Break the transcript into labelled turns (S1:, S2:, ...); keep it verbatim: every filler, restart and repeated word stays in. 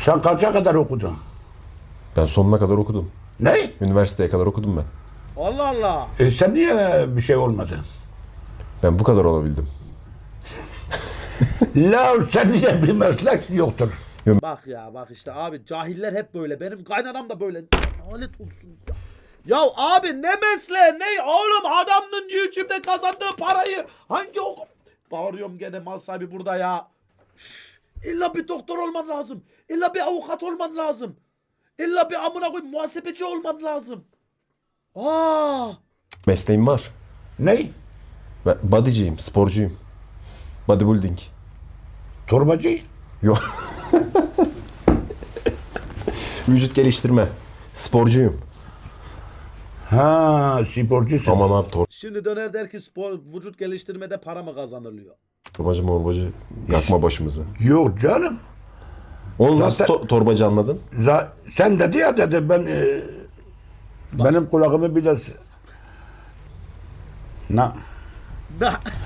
S1: Sen kaça kadar okudun?
S2: Ben sonuna kadar okudum.
S1: Ne?
S2: Üniversiteye kadar okudum ben.
S3: Allah Allah.
S1: E sen niye bir şey olmadı?
S2: Ben bu kadar olabildim.
S1: La sen niye bir meslek yoktur?
S3: Bak ya bak işte abi cahiller hep böyle. Benim kaynanam da böyle. Lanet olsun ya. Ya abi ne mesleği ne oğlum adamın YouTube'da kazandığı parayı hangi oku... Bağırıyorum gene mal sahibi burada ya. İlla bir doktor olman lazım. İlla bir avukat olman lazım. İlla bir amına koyayım muhasebeci olman lazım. Aa!
S2: Mesleğim var.
S1: Ne?
S2: Ben bodyciyim, sporcuyum. Bodybuilding.
S1: Torbacı?
S2: Yok. Vücut geliştirme. Sporcuyum.
S1: Ha, sporcusun.
S2: Aman abi
S3: Şimdi döner der ki spor vücut geliştirmede para mı kazanılıyor?
S2: torbacı morbacı yakma başımızı.
S1: Yok canım.
S2: Onu nasıl
S1: Zaten-
S2: to- torbacı anladın?
S1: Za- sen dedi ya dedi ben e, benim kulağımı biraz... Na,
S3: Da